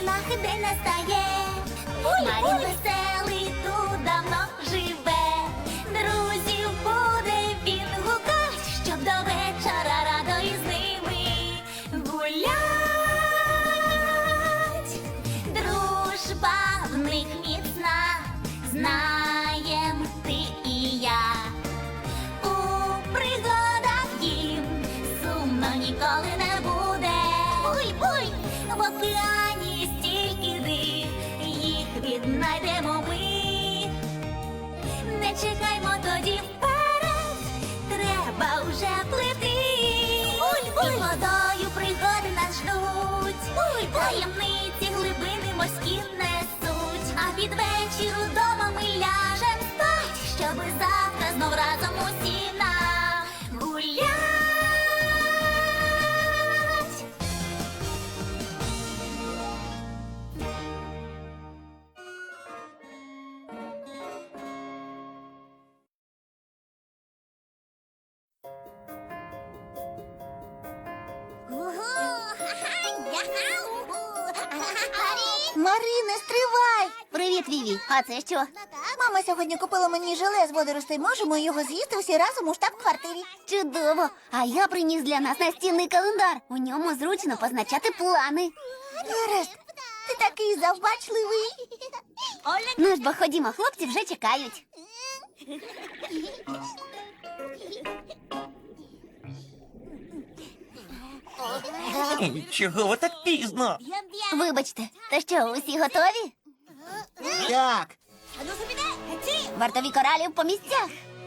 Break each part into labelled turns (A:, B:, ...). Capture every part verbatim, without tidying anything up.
A: машинах день настає. Марін веселий тут давно живе. Друзів буде він гукать, щоб до вечора радо із ними гулять. Дружба в них міцна, знаєм ти і я. У пригадах їм сумно ніколи не буде. Буй-буй! В океані стільки див, їх віднайдемо ми. Не чекаймо тоді вперед, треба вже плити. Буй-буй! І водою пригоди нас ждуть. Буй-буй! Таємниці глибини морські несуть. А під вечір удома ми ляжем спать, щоби завтра знов разом усі нагулять.
B: Марине, стривай!
A: Привіт, Віві. А це що?
B: Мама сьогодні купила мені желе з водоростей. Можемо його з'їсти всі разом у штаб-квартирі.
A: Чудово! А я приніс для нас настінний календар. У ньому зручно позначати плани.
B: Гаразд, ти такий завбачливий.
A: Ну ж бо ходімо, хлопці вже чекають.
C: Чого ви так пізно?
A: Вибачте, то що, усі готові?
C: Так.
A: Вартові коралів по місцях.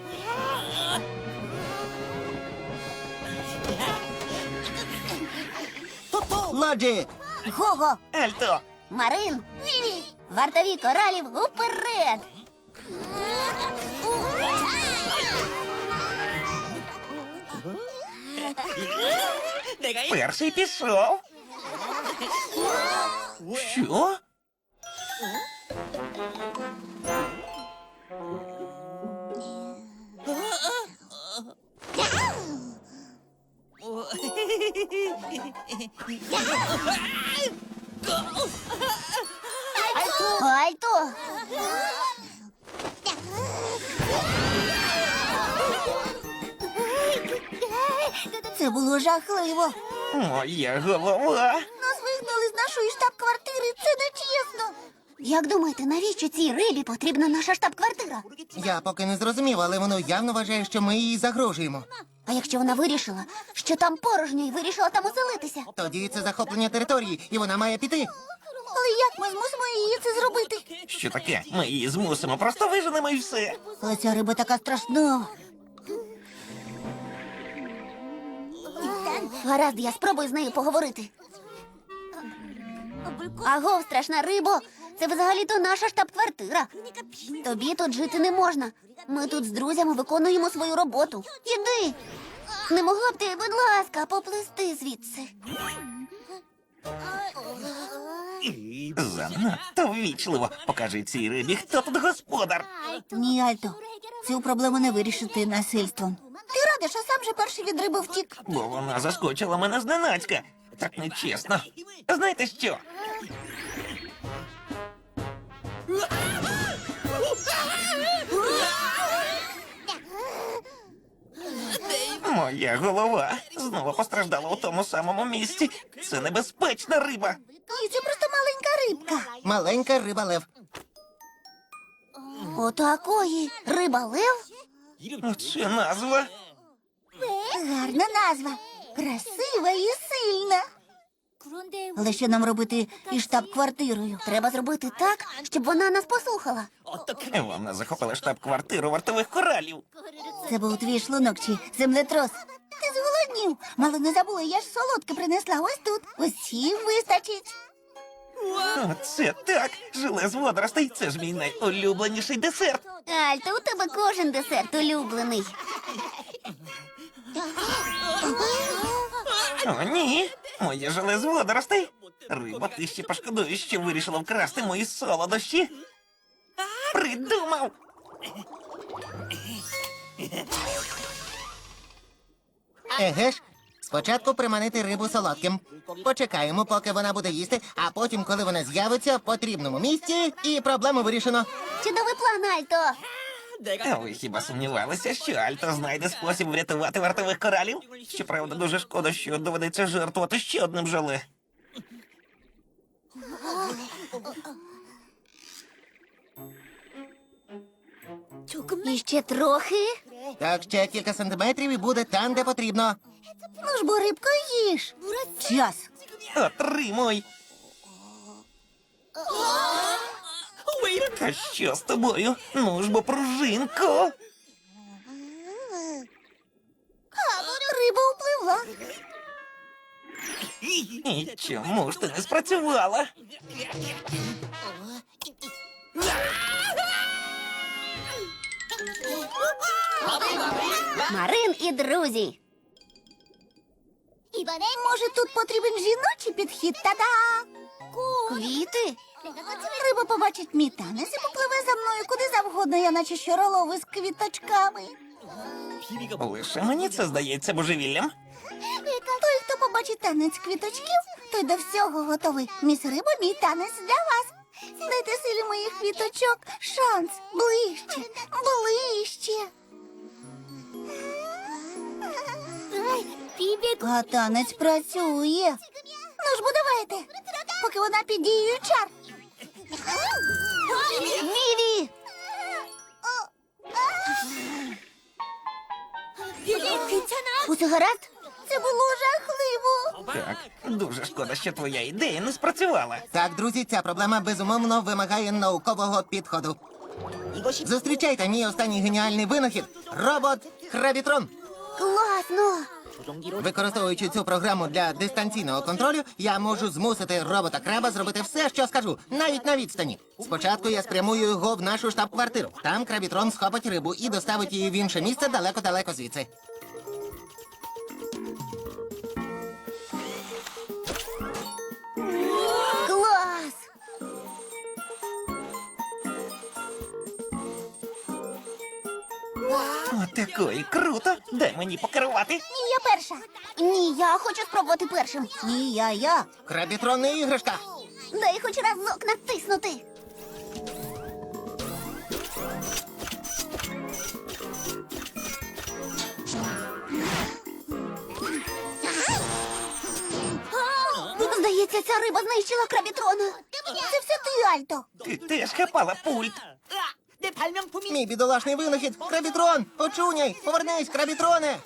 C: Лоджі!
B: Гого!
C: Альто!
A: Марин, вартові коралів уперед.
C: Перший пішов. Що?
A: Альто!
B: Це було жахливо.
C: Моя голова.
B: Нас вигнали з нашої штаб-квартири. Це нечесно.
A: Як думаєте, навіщо цій рибі потрібна наша штаб-квартира?
D: Я поки не зрозумів, але воно явно вважає, що ми їй загрожуємо.
A: А якщо вона вирішила, що там порожньо і вирішила там оселитися?
D: Тоді це захоплення території, і вона має піти.
B: Але як ми змусимо її це зробити?
C: Що таке? Ми її змусимо, просто виженемо і все.
B: Але ця риба така страшна.
A: Гаразд, я спробую з нею поговорити. Агов, страшна рибо, це взагалі-то наша штаб-квартира. Тобі тут жити не можна. Ми тут з друзями виконуємо свою роботу. Іди. Не могла б ти, будь ласка, поплисти звідси.
C: Занадто ввічливо. Покажи цій рибі, хто тут господар.
B: Ні, Альто, цю проблему не вирішити насильством. Ти радиш, а сам же перший від риби втік.
C: Бо вона заскочила мене зненацька. Так нечесно. Знаєте що? Моя голова знову постраждала у тому самому місці. Це небезпечна риба.
B: Ні, це просто маленька рибка.
D: Маленька риба лев.
A: Отакої. Риба-лев?
C: Оце назва.
B: Гарна назва. Красива і сильна. Але що нам робити із штаб-квартирою?
A: Треба зробити так, щоб вона нас послухала.
C: Вона захопила штаб-квартиру вартових коралів.
B: Це був твій шлунок чи землетрос. Ти зголоднів. Мало не забула, я ж солодке принесла ось тут. Усім вистачить.
C: Оце так. Желе з водоростей. Це ж мій найулюбленіший десерт.
A: Альто, у тебе кожен десерт улюблений.
C: О, ні. Моє желе з водоростей. Риба, ти ще пошкодуєш, що вирішила вкрасти мої солодощі. Придумав.
D: Еге ж, Спочатку приманити рибу солодким. Почекаємо, поки вона буде їсти, а потім, коли вона з'явиться в потрібному місці, і проблему вирішено.
B: Чудовий план, Альто.
C: А ви хіба сумнівалися, що Альто знайде спосіб врятувати вартових коралів? Щоправда, дуже шкода, що доведеться жертвувати ще одним желе.
B: І ще трохи.
D: Так, ще кілька сантиметрів і буде там, де потрібно.
B: Ну ж бо, рибко, їж. Час.
C: Отримуй! Та що з тобою? Ну ж бо, пружинко!
B: Риба впливла.
C: І чому ж ти не спрацювала?
B: Марин і друзі. Може, тут потрібен жіночий підхід? Та-да! Квіти? Риба побачить мій танець і попливе за мною куди завгодно, я наче щоролови з квіточками.
C: Лише мені це здається божевіллям.
B: Той, хто побачить танець квіточків, той до всього готовий. Міс Риба, мій танець для вас. Дайте силі моїх квіточок шанс. Ближче, ближче. А танець працює. Ну ж бо давайте, поки вона під дією чар. Віві! Усе гаразд? Це було жахливо.
C: Так, дуже шкода, що твоя ідея не спрацювала.
D: Так, друзі, ця проблема безумовно вимагає наукового підходу. Зустрічайте мій останній геніальний винахід – робот-крабітрон.
B: Класно.
D: Використовуючи цю програму для дистанційного контролю, я можу змусити робота-краба зробити все, що скажу, навіть на відстані. Спочатку я спрямую його в нашу штаб-квартиру. Там крабітрон схопить рибу і доставить її в інше місце далеко-далеко звідси.
B: Клас.
C: Отакої круто! Дай мені покерувати.
B: Ні, я перша. Ні, я хочу спробувати першим. Ні, я, я.
D: Крабітрон не іграшка.
B: Дай хоч разок натиснути. Здається, ця риба знищила крабітрона. Це все ти, Альто.
C: Ти теж хапала пульт.
D: Мій бідолашний винахід – крабітрон! Очуняй! Повернись, крабітроне!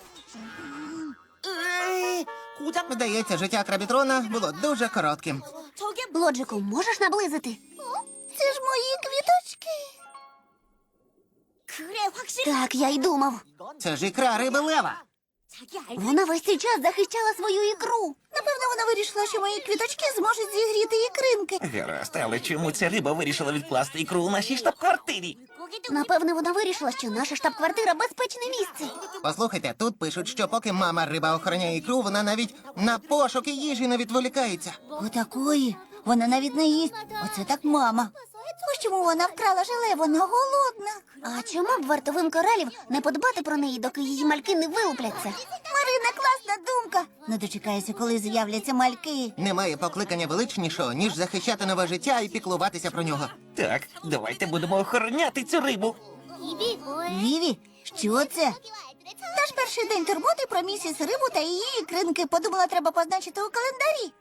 D: Здається, життя крабітрона було дуже коротким.
B: Лоджику, можеш наблизити? Це ж мої квіточки. Так, я й думав.
D: Це ж ікра риби лева.
B: Вона весь цей час захищала свою ікру. Напевно, вона вирішила, що мої квіточки зможуть зігріти ікринки.
C: Гаразд, але чому ця риба вирішила відкласти ікру у нашій штаб-квартирі?
B: Напевно, вона вирішила, що наша штаб-квартира безпечне місце.
D: Послухайте, тут пишуть, що поки мама риба охороняє ікру, вона навіть на пошуки їжі не відволікається.
B: Отакої. Вона навіть не їсть. Оце так мама. Ось чому вона вкрала желе, вона голодна. А чому б вартовим коралів не подбати про неї, доки її мальки не вилупляться? Марина, класна думка. Не дочекайся, коли з'являться мальки.
D: Немає покликання величнішого, ніж захищати нове життя і піклуватися про нього.
C: Так, давайте будемо охороняти цю рибу.
B: Віві, що це? Наш перший день турботи про місіс Рибу та її ікринки. Подумала, треба позначити у календарі.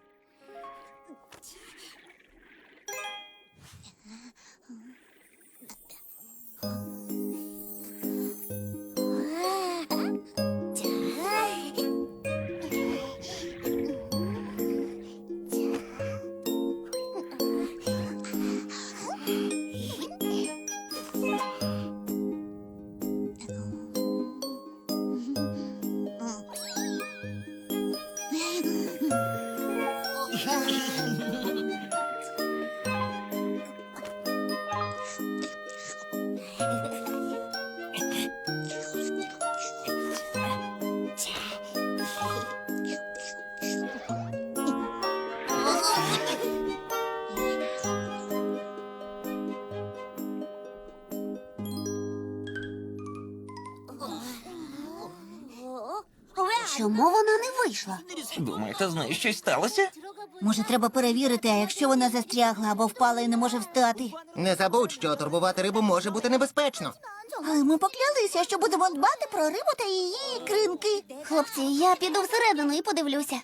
B: Чому вона не вийшла?
C: Думаєте, з нею щось сталося?
B: Може, треба перевірити, а якщо вона застрягла або впала і не може встати?
D: Не забудь, що турбувати рибу може бути небезпечно.
B: Але ми поклялися, що будемо дбати про рибу та її ікринки. Хлопці, я піду всередину і подивлюся.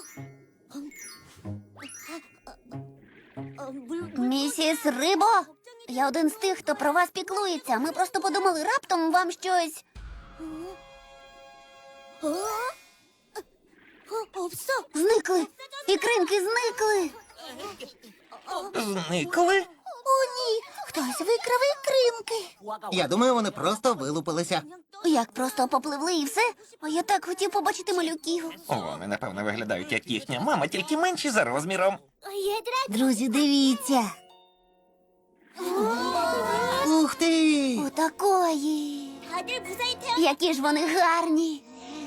B: Місіс Рибо, я один з тих, хто про вас піклується. Ми просто подумали, раптом вам щось. Зникли. Ікринки зникли.
C: Зникли?
B: О, ні. Хтось викрав ікринки.
D: Я думаю, вони просто вилупилися.
B: Як просто попливли і все? А я так хотів побачити малюків.
C: Вони, напевно, виглядають як їхня мама, тільки менші за розміром.
B: Друзі, дивіться.
D: Ух ти!
B: Отакої. Які ж вони гарні.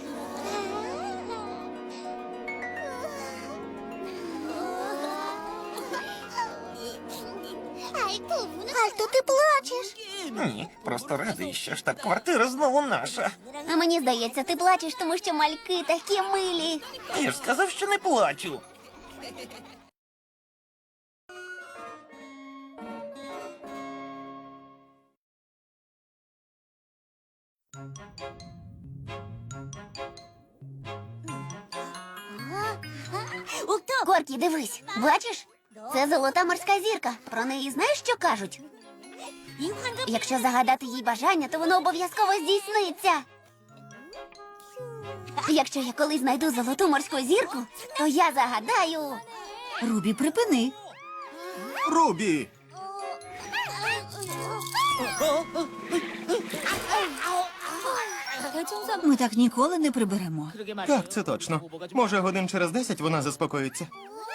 B: Альто, ти плачеш?
C: Ні, просто радий, що штаб-квартира знову наша.
B: А мені здається, ти плачеш, тому що мальки такі милі.
C: Я ж сказав, що не плачу.
B: Коркі, дивись, бачиш? Це золота морська зірка. Про неї знаєш, що кажуть? Якщо загадати їй бажання, то воно обов'язково здійсниться. Якщо я колись знайду золоту морську зірку, то я загадаю. Рубі, припини.
D: Рубі!
B: Ми так ніколи не приберемо.
E: Так, це точно. Може, годин через десять вона заспокоїться.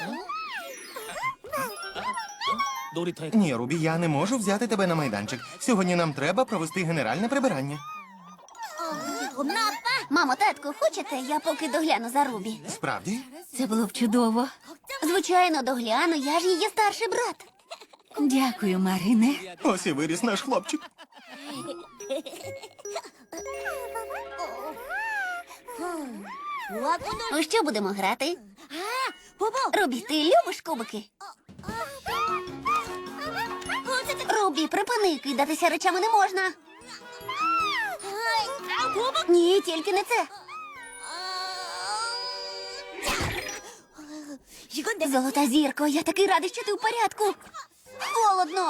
E: Ні, Рубі, я не можу взяти тебе на майданчик. Сьогодні нам треба провести генеральне прибирання.
B: Мамо, татку, хочете, я поки догляну за Рубі?
E: Справді?
B: Це було б чудово. Звичайно, догляну, я ж її старший брат. Дякую, Марине.
E: Ось і виріс наш хлопчик.
B: У що будемо грати? Рубі, ти любиш кубики? Рубі, припини, кидатися речами не можна. Ні, тільки не це. Золота зірко, я такий радий, що ти в порядку. Холодно.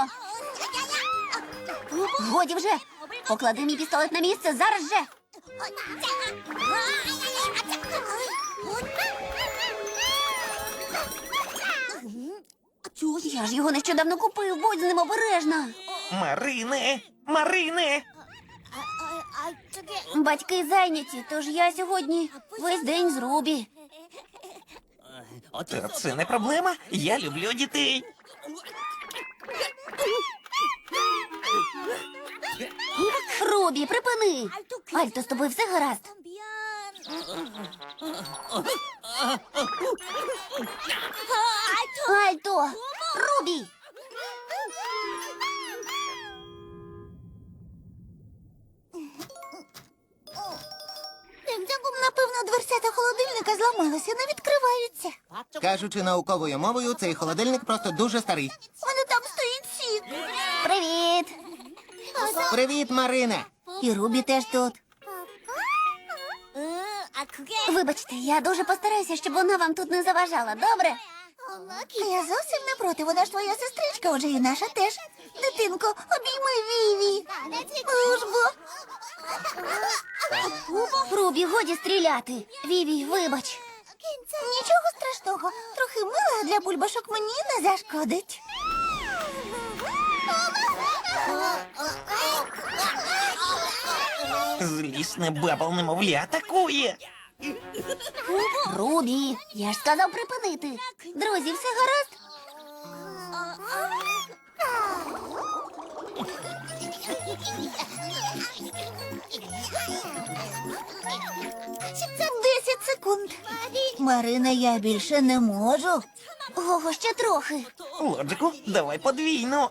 B: Годі вже. Поклади мій пістолет на місце зараз же. Я ж його нещодавно купив, будь з ним обережна.
C: Марине! Марине!
B: Батьки зайняті, тож я сьогодні весь день з Рубі.
C: Та це не проблема. Я люблю дітей.
B: Рубі, припини. Альто, з тобою все гаразд? Альто! Рубі! Напевно, дверцята холодильника зламалися, не відкриваються.
D: Кажучи науковою мовою, цей холодильник просто дуже старий.
B: Вони там стоїть сік. Привіт!
D: Привіт, Марине!
B: І Рубі теж тут. Вибачте, я дуже постараюся, щоб вона вам тут не заважала, добре? Я зовсім не проти, вона ж твоя сестричка, отже і наша теж. Дитинко, обійми Віві. Ну ж бо. Рубі, годі стріляти. Віві, вибач. Нічого страшного. Трохи мила для бульбашок мені не зашкодить.
C: Злісне бабл немовля атакує.
B: Рубі, я ж сказав припинити. Друзі, все гаразд? Десять секунд. Марина, я більше не можу. Ого, ще трохи.
C: Лоджику, давай подвійну.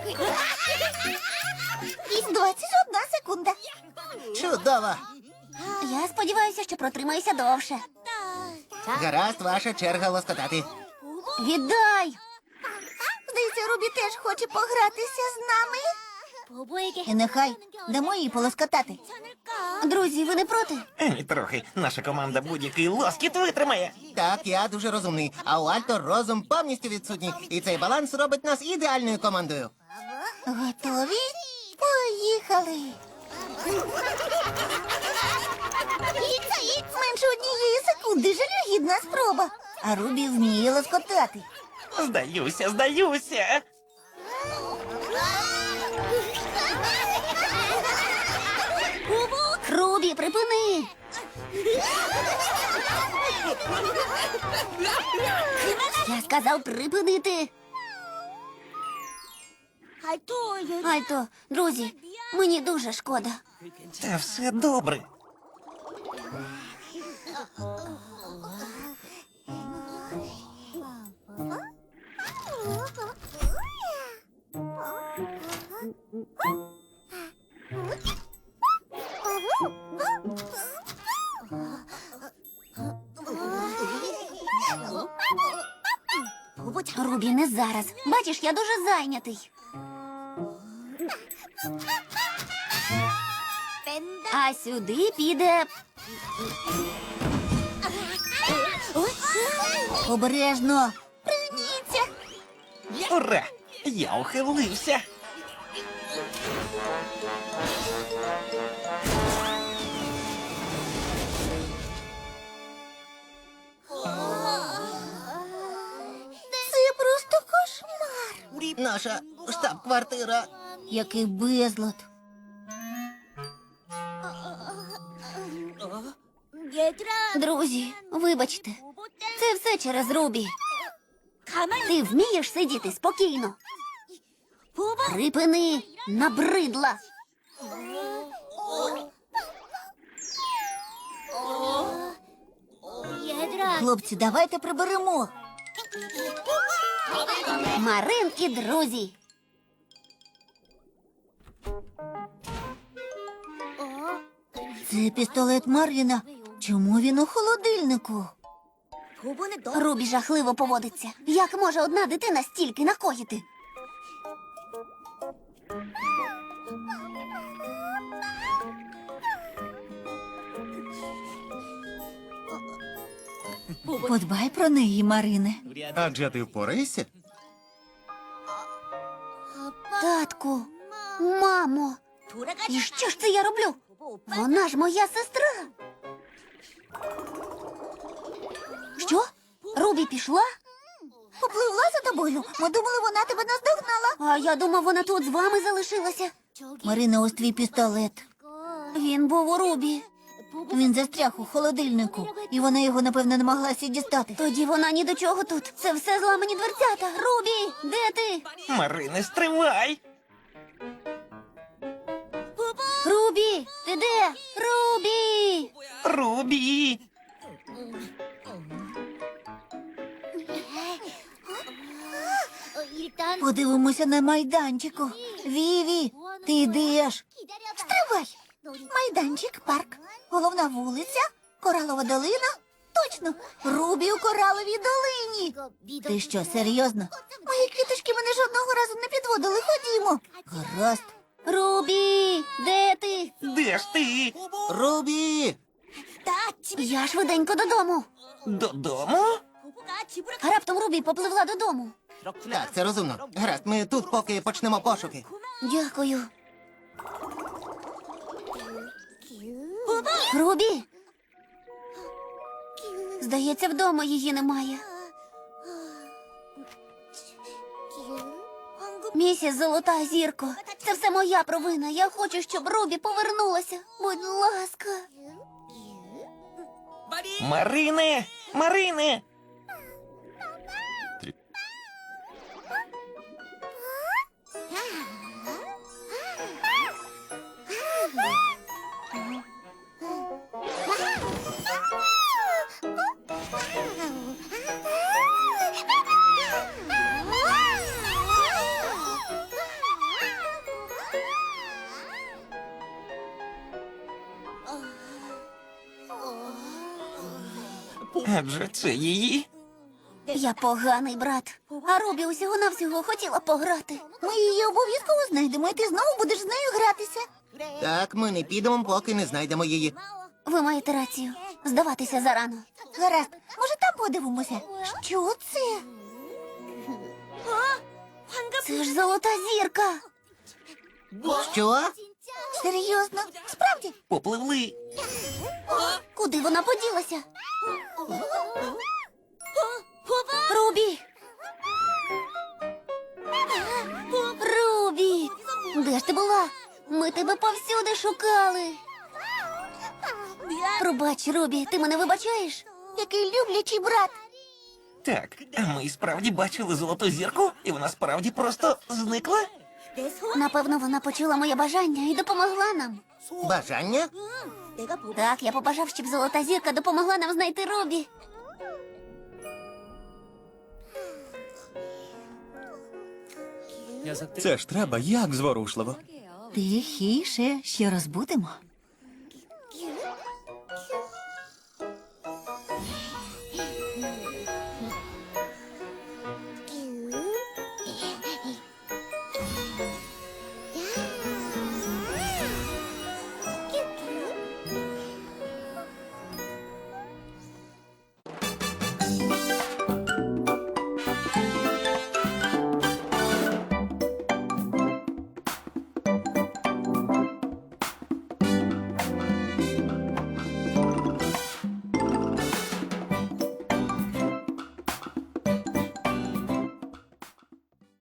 B: Двадцять одна секунда.
D: Чудово!
B: Я сподіваюся, що протримаюся довше.
D: Гаразд, ваша черга лоскотати.
B: Віддай! Здається, Рубі теж хоче погратися з нами. І нехай дамо їй полоскотати. Друзі, ви не проти?
C: Ані трохи. Наша команда будь-який лоскіт витримає.
D: Так, я дуже розумний, а у Альто розум повністю відсутній. І цей баланс робить нас ідеальною командою.
B: Готові? Поїхали! Менше однієї секунди жалюгідна спроба. А Рубі вміє лоскотати.
C: Здаюся, здаюся.
B: Рубі, припини! Я сказав припинити. Альто, друзі, мені дуже шкода.
C: Та все добре.
B: Рубі, не зараз. Бачиш, я дуже зайнятий. А сюди піде. Обережно. Пригніться.
C: Ура! Я ухилився.
B: Це просто кошмар.
D: Наша штаб-квартира.
B: Який безлад. Друзі, вибачте, це все через Рубі. Ти вмієш сидіти спокійно? Припини, набридла. Хлопці, давайте приберемо. Марин і друзі. Це пістолет Марвіна. Чому він у холодильнику? Рубі жахливо поводиться. Як може одна дитина стільки накоїти? Подбай про неї, Марине.
E: Адже ти впораєшся?
B: Татку, мамо, і що ж це я роблю? Вона ж моя сестра. Що? Рубі пішла? Попливла за тобою. Ми думали, вона тебе наздогнала. А я думав, вона тут з вами залишилася. Марина, ось твій пістолет. Він був у Рубі. Він застряг у холодильнику, і вона його, напевно, намагалася дістати. Тоді вона ні до чого тут. Це все зламані дверцята. Рубі, де ти?
C: Марине, стривай!
B: Рубі, ти де? Рубі!
C: Рубі!
B: Подивимося на майданчику. Віві, ти йдеш? Стривай! Майданчик, парк, головна вулиця, коралова долина. Точно, Рубі у кораловій долині. Ти що, серйозно? Мої квіточки мене жодного разу не підводили. Ходімо. Гаразд. Рубі, де ти?
C: Де ж ти?
D: Рубі!
B: Я швиденько додому.
C: Додому?
B: А раптом Рубі попливла додому.
D: Так, це розумно. Гаразд, ми тут поки почнемо пошуки.
B: Дякую. Рубі! Здається, вдома її немає. Місіс Золота зірко, це все моя провина. Я хочу, щоб Рубі повернулася. Будь ласка.
C: Марине! Марине! Адже це її.
B: Я поганий брат. А Рубі усього-навсього хотіла пограти. Ми її обов'язково знайдемо, і ти знову будеш з нею гратися.
D: Так, ми не підемо, поки не знайдемо її.
B: Ви маєте рацію. Здаватися зарано. Гаразд, може там подивимося? Що це? Це ж золота зірка.
D: Що?
B: Серйозно? Справді?
C: Попливли.
B: Куди вона поділася? Рубі! Рубі! Де ж ти була? Ми тебе повсюди шукали. Пробач, Рубі, ти мене вибачаєш? Який люблячий брат.
C: Так, а ми і справді бачили золоту зірку, і вона справді просто зникла?
B: Напевно, вона почула моє бажання і допомогла нам.
D: Бажання?
B: Так, я побажав, щоб золота зірка допомогла нам знайти Рубі.
E: Це ж треба як зворушливо.
B: Тихіше, ще розбудемо.